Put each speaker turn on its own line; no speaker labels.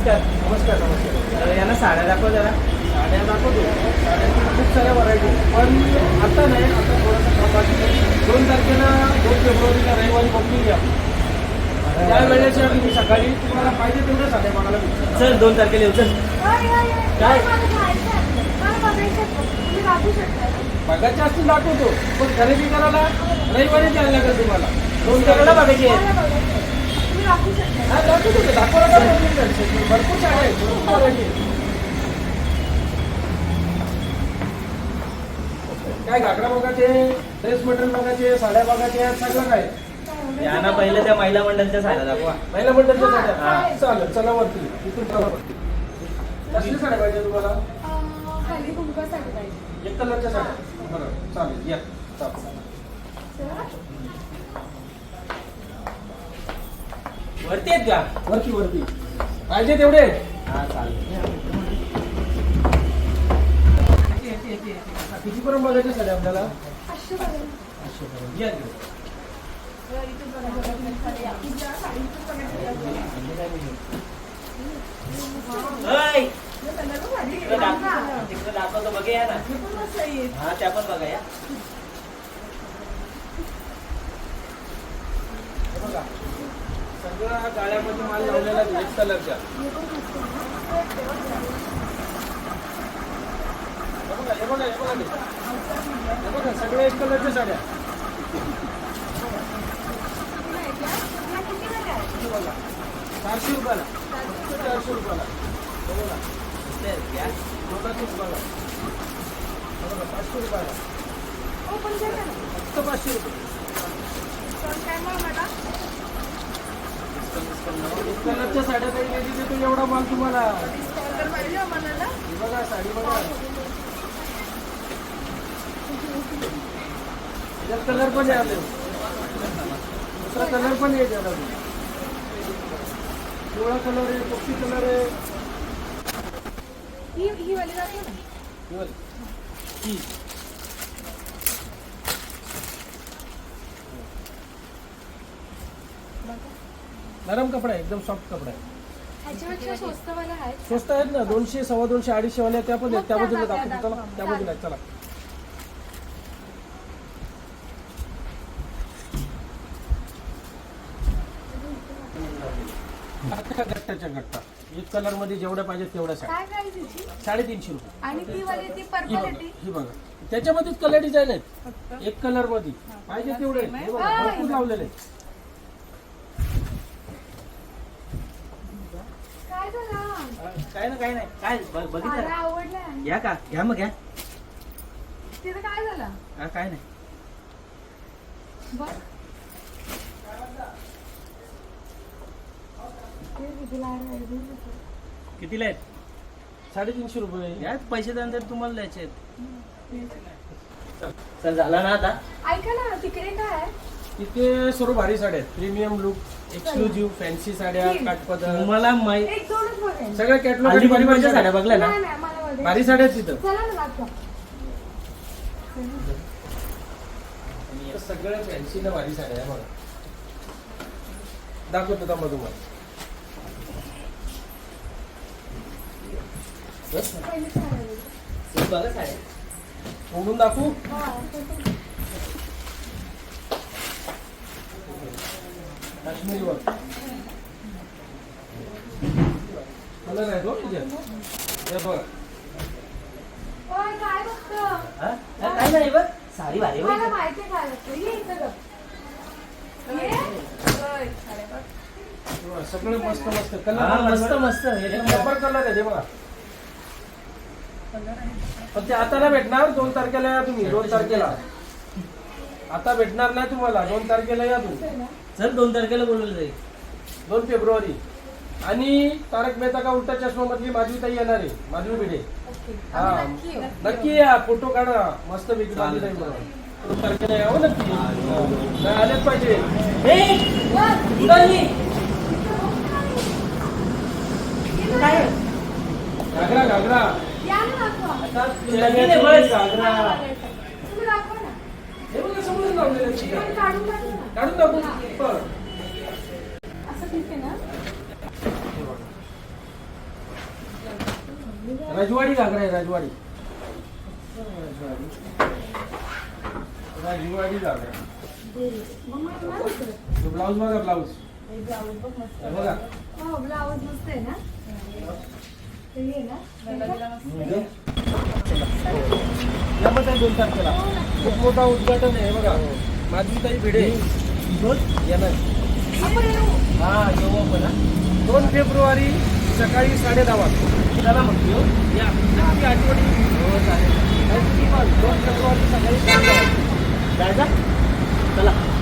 नमस्कार.
नमस्कार नमस्कार.
यांना साड्या दाखव जरा.
साड्या दाखवतो. साड्यांची खूप साऱ्या व्हरायटी पण आता नाही, आता थोडासा बाकी 2 तारखेला 2 फेब्रुवारीला रविवारी बघून घ्या. त्यावेळेस तुम्ही सकाळी तुम्हाला पाहिजे तेवढ्या साड्या बघायला भेटतील.
चल 2 तारखेला येऊ. चल
काय बघायचे असतील दाखवतो, पण खरेदी करायला रविवारी द्यायला लागेल तुम्हाला. 2 तारखेला
बघायची आहे.
हा दाखवतो ते, दाखवायला भरपूर साड्या आहेत, भरपूर व्हरायटी आहे. काय घागरा बघायचे, ड्रेस मटेरियल बघायचे, साड्या बघायचे, सगळं काय.
यांना पहिले त्या महिला मंडळच्या साड्या दाखवा.
महिला मंडळच्या साड्या चालेल. चला वरती, इथून चला वरती. कसली साड्या पाहिजे तुम्हाला?
खाली कुंकू साडी पाहिजे.
1 कलरच्या साड्या. बरं चालेल, या
वरती आहेत का?
वरती वरती पाहिजे तेवढे.
हा चालेल.
कितीपर्यंत बघायच्या साड्या आपल्याला?
500 पाहिजे.
500 पर्यंत. या इकडे.
इथून बघा.
ओय, तिकडे दाखवतो बघे या ना. हा त्या पण बघा या.
हे बघा सगळ्या गाळ्यामध्ये माल लावलेला आहे 1 कलरच्या. हे बघा हे बघा हे बघा हे बघा सगळ्या 1 कलरच्या साड्या. हे बघा 400 रुपयाला. 400 रुपयाला. हे बघा लोकांची रुपयाला. हे बघा 500 रुपयाला. फक्त 500 रुपये. 1 कलरच्या साड्या काही नाही तिथे एवढा माल तुम्हाला. हे बघा साडी बघा. यात कलर पण आहे, दुसरा कलर पण आहे त्याला. पिवळा कलर आहे, पक्षी कलर आहे.
ही वाली जाते ना.
ही वाली. ही. नरम कपडा आहे, एकदम सॉफ्ट कपडा आहे.
ह्याच्यापेक्षा स्वस्तवाला आहेत.
स्वस्त आहेत ना. 200, 250, 250 वाल्या त्या पण आहेत. त्या बाजूला दाखवतो. चला त्या बाजूला चला. गट्ट्याच्या गट्टा 1 कलर मध्ये जेवढ्या पाहिजे तेवढ्या साड्या.
काय प्राइस याची?
350 रुपये.
आणि ती वाली ती पर्पल येते.
ही बघा त्याच्यामध्येच कलर डिझाईन आहेत. 1 कलर मध्ये पाहिजे तेवढे. हे बघा भरपूर लावलेले आहेत.
काय झालं?
काय ना काय नाही. काय
मला
बघितलं
आवडलं.
घ्या का? घ्या मग घ्या.
तिथं काय झालं?
हा काय नाही.
बघ.
कितीला आहेत?
350 रुपये.
या पैसे त्यानंतर तुम्हाला द्यायचे आहेत. चल झाला ना आता.
ऐका ना, तिकडे काय आहे?
तिथे सर्व भारी साड्या आहेत. प्रीमियम लुक, एक्सक्लुझिव्ह, फॅन्सी साड्या, काठपदर,
तुम्हाला
एक दोनच बघायचं.
सगळ्या कॅटलॉग
अलिबागच्या साड्या बघल्या ना.
नाही नाही, मला बघायचं.
भारी साड्या आहेत तिथं.
चला ना दाखवा.
सगळ्या फॅन्सीला भारी साड्या आहे बघा. दाखवतो थांबा तुम्हाला.
पहिली साडी.
बघा साड्या.
उघडून दाखवू.
हा.
काश्मीरी वर कलर आहे तो तुझ्या. हे बघ
ओय, काय बघतो?
हा? काय नाही बघ साडी भारी बघ.
मला माहिती आहे काय बघतो. ये इथं गप. ये. ओय, साड्या बघ.
सगळे मस्त मस्त
हा,
कलर.
मस्त मस्त.
नंबर कलर आहे ते बघा. पण ते आता नाही भेटणार. 2 तारखेला या तुम्ही. 2 तारखेला आता भेटणार नाही तुम्हाला. 2 तारखेला या तुम्ही.
चल 2 तारखेला बोलवलं जाईल.
2 फेब्रुवारी. आणि तारक मेहता का उलटा चष्मा मधली माधवी ताई येणार आहे. माधवी भिडे.
ओके.
हा
आम्ही नक्की येऊ.
नक्की या. फोटो काढा मस्त पैकी माधवी ताई बरोबर. 2 तारखेला यावं नक्की. नाही आलेच पाहिजे.
काय
घागरा घागरा
या ना दाखवा.
लगीन आहे बस.
घागरा
तुम्ही दाखवा ना.
हे बघा समोर लावलेलं आहे.
पण काढून टाकू ना.
काढून दाखवू.
हा.
बरं.
असं ठीक आहे ना?
रजवाडी घागरा आहे रजवाडी रजवाडी घागरा. ब्लाऊज बघा ब्लाऊज बघा.
ब्लाऊज मस्त आहे ना ते घे ना.
यामध्ये 2 तारखेला खूप मोठा उद्घाटन आहे बघा. माझी ताई भिडे येणार. हा येऊ आपण 2 फेब्रुवारी सकाळी 10:30 वाजता. चला मग या नक्की आठवणी. हो चालेल. 2 फेब्रुवारी सकाळी 10:30 वाजता जायचं. चला.